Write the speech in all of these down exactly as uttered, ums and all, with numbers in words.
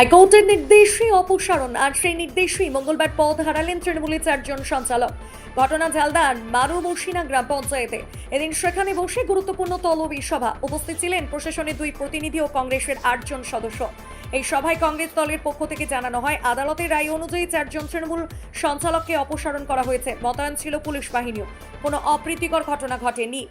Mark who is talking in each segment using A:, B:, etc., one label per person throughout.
A: হাইকোর্টের নির্দেশে অপসারণ আর সেই নির্দেশেই মঙ্গলবার পদ হারালেন তৃণমূলের চারজন সঞ্চালক। ঘটনা ঝালদার মারুবসিনা গ্রাম পঞ্চায়েতে। এদিন সেখানে বসে গুরুত্বপূর্ণ তলবি সভা। উপস্থিত ছিলেন প্রশাসনের দুই প্রতিনিধি ও কংগ্রেসের আটজন সদস্য। এই সভায় কংগ্রেস দলের পক্ষ থেকে জানানো হয়, আদালতের রায় অনুযায়ী চারজন তৃণমূল সঞ্চালককে অপসারণ করা হয়েছে। মোতায়েন ছিল পুলিশ বাহিনীও। কোনো অপ্রীতিকর ঘটনা ঘটেনি।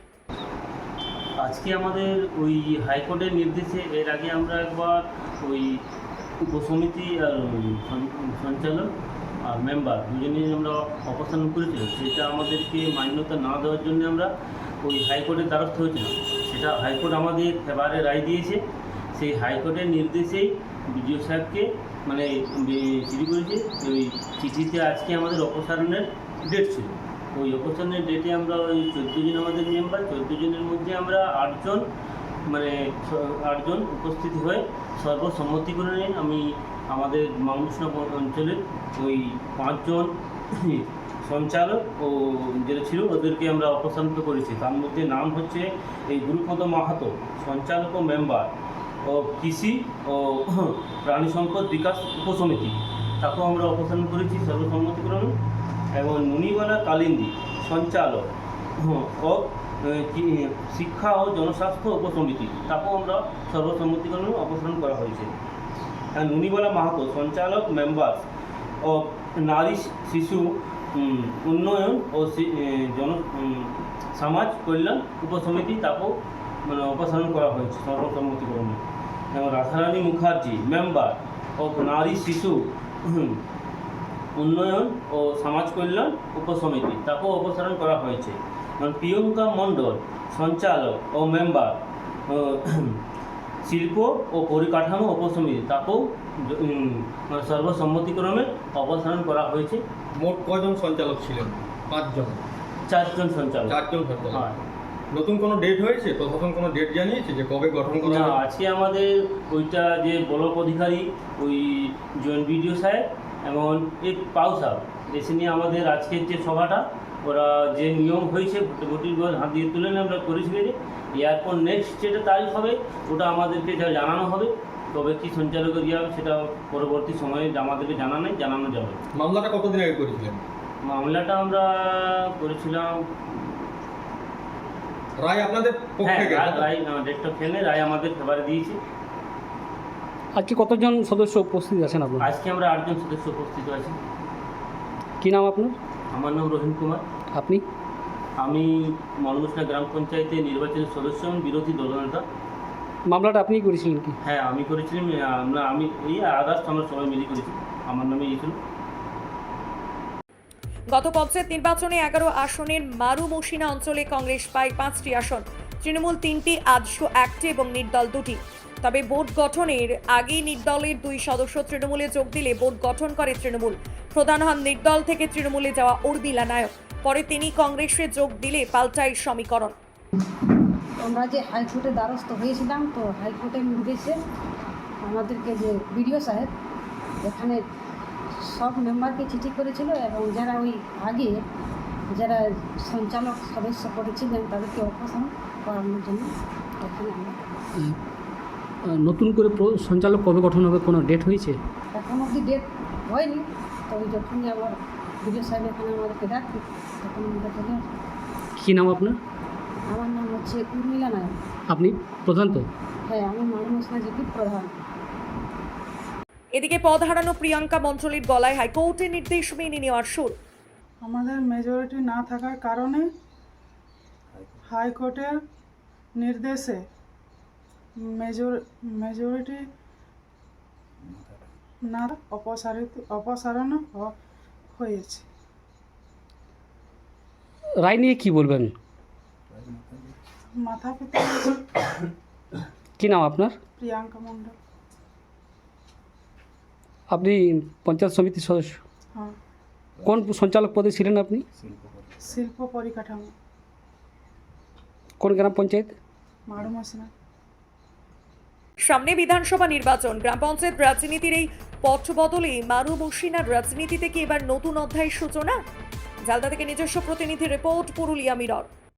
B: আজকে আমাদের ওই হাইকোর্টের নির্দেশে এর আগে আমরা একবার ওই উপসমিতি আর সঞ্চালক আর মেম্বার দুজনেই আমরা অপসারণ করেছিলাম। সেটা আমাদেরকে মান্যতা না দেওয়ার জন্য আমরা ওই হাইকোর্টের দ্বারস্থ হয়েছিলাম। সেটা হাইকোর্ট আমাদের ফেভারে রায় দিয়েছে। সেই হাইকোর্টের নির্দেশেই বিডিও সাহেবকে মানে চিঠি করেছে। ওই চিঠিতে আজকে আমাদের অপসারণের ডেট ছিল। ওই অপসারণের ডেটে আমরা ওই চোদ্দো জন আমাদের মেম্বার, চোদ্দো জনের মধ্যে আমরা আটজন মানে আটজন উপস্থিত হয়ে সর্বসম্মতিক্রমে আমি আমাদের মামুসনা অঞ্চলের ওই পাঁচজন সঞ্চালক ও যেটা ছিল ওদেরকে আমরা অপসারণ করেছি। তার মধ্যে নাম হচ্ছে এই গুরুপদ মাহাতো, সঞ্চালক ও মেম্বার ও কৃষি ও প্রাণী সম্পদ বিকাশ উপসমিতি, তাকেও আমরা অপসারণ করেছি সর্বসম্মতিক্রমে। এবং নুনিবালা কালিন্দী, সঞ্চালক ও শিক্ষা ও জনস্বাস্থ্য উপসমিতি, তাকেও আমরা সর্বসম্মতিক্রমে অপসারণ করা হয়েছে। আর নুনিবালা মাহাতো, সঞ্চালক মেম্বার ও নারী শিশু উন্নয়ন ও জন সমাজ কল্যাণ উপসমিতি, তাকেও মানে অপসারণ করা হয়েছে সর্বসম্মতিক্রমে। এবং রাধারানী মুখার্জি, মেম্বার ও নারী শিশু উন্নয়ন ও সমাজ কল্যাণ উপসমিতি, তাকেও অপসারণ করা হয়েছে। প্রিয়ঙ্কা মণ্ডল, সঞ্চালক ও মেম্বার শিল্প ও পরিকাঠামো উপসমিতি, তাকেও সর্বসম্মতিক্রমে অপসারণ করা হয়েছে।
C: মোট কজন সঞ্চালক ছিলেন? পাঁচজন,
B: চারজন সঞ্চালক।
C: চারজন সঞ্চালক।
B: হ্যাঁ।
C: নতুন কোনো ডেট হয়েছে? প্রশাসন কোনো ডেট জানিয়েছে যে কবে গঠন করা
B: না,
C: হবে?
B: আজকে আমাদের ওইটা যে ব্লক অধিকারী ওই জয়েন্ট বিডিও সাহেব এবং এই পাউ সাহেব এসে নিয়ে আমাদের আজকের যে সভাটা ওরা যে নিয়ম হয়েছে ভোটির হাত দিয়ে তুলে নিয়ে আমরা করেছি। এরপর নেক্সট যেটা তারিখ হবে ওটা আমাদেরকে যা জানানো হবে, তবে কি সঞ্চালকের ইয়ে হবে সেটা পরবর্তী সময়ে আমাদেরকে জানা নেই, জানানো যাবে।
C: মামলাটা কতদিন আগে করেছিলেন?
B: মামলাটা আমরা করেছিলাম,
C: রায় আপনাদের পক্ষে
B: হ্যাঁ
C: গেছে?
B: রায় ডেটটা ফেলে রায় আমাদের ফেভারে দিয়েছি।
D: আজকে কতজন সদস্য উপস্থিত আছেন আপনার?
B: আজকে আমরা আটজন সদস্য উপস্থিত আছি।
D: কী নাম আপনার?
B: আমার নাম রহিম কুমার।
D: আপনি?
B: আমি মারুবসিনা গ্রাম পঞ্চায়েতে নির্বাচনের সদস্য এবং বিরোধী দলনেতা।
D: মামলাটা আপনিই করেছিলেন কি?
B: হ্যাঁ, আমি করেছিলাম। আমরা আমি এই আদার্স আমরা সবাই মিলে করেছি, আমার নামে ইয়েছিল।
A: গত পঞ্চায়েত নির্বাচনে এগারো আসনের মারুবসিনা অঞ্চলে কংগ্রেস পায় পাঁচটি আসন, তৃণমূল তিনটি, আজশো একটি এবং নির্দল দুটি। তবে বোর্ড গঠনের আগেই নির্দলের দুই সদস্য তৃণমূলে যোগ দিলে বোর্ড গঠন করে তৃণমূল। প্রধান হন নির্দল থেকে তৃণমূলে যাওয়া উর্মিলা নায়ক। পরে তিনি কংগ্রেসে যোগ দিলে পাল্টায় সমীকরণ।
E: আমরা যে হাইকোর্টে দ্বারস্থ হয়েছিলাম, তো হাইকোর্টের নির্দেশে আমাদেরকে যে বিডিও সাহেব এখানে সব মেম্বারকে চিঠি করেছিল এবং যারা ওই আগে যারা সঞ্চালক সদস্য করেছিলেন তাদেরকে অপসারণ করানোর জন্য এখানে আমরা
D: নতুন করে প্র- সঞ্চালক কবে গঠন হবে, কোনো ডেট হয়েছে?
E: এখন অবধি ডেট হয়নি। তো ওই যখনই আমার বিডিও সাহেব এখানে আমাদেরকে ডাকবে তখন আমরা চলে আসবো।
D: কী নাম আপনার?
E: আমার নাম হচ্ছে উর্মিলা নায়ক।
D: আপনি প্রধান তো?
E: হ্যাঁ, আমি মারুবসিনা জিপির প্রধান।
A: এদিকে পদ হারানো প্রিয়াঙ্কা মণ্ডলের গলায় হাইকোর্টের নির্দেশ মেনে নেওয়ার সুর।
F: আমাদের মেজরিটি না থাকার কারণে হাইকোর্টের নির্দেশে মেজর মেজরিটি না অপসারিত অপসারণ হ- হয়েছে।
D: রায় নিয়ে কি বলবেন?
F: মাথা পিতা
D: কী নাম আপনার?
F: প্রিয়াঙ্কা মণ্ডল।
D: আপনি পঞ্চায়েত সমিতির সদস্য?
F: হ্যাঁ,
D: কোন সঞ্চালক পদে ছিলেন আপনি?
F: শিল্প পরিকাঠামো,
D: কোন গ্রাম পঞ্চায়েত?
F: মারুবসিনা।
A: সামনে বিধানসভা নির্বাচন, গ্রাম পঞ্চায়েত রাজনীতির এই পথ বদলে মারুবসিনার রাজনীতিতে কি এবার নতুন অধ্যায়ের সূচনা? ঝালদা থেকে নিজস্ব প্রতিনিধি রিপোর্ট, পুরুলিয়া মিরর।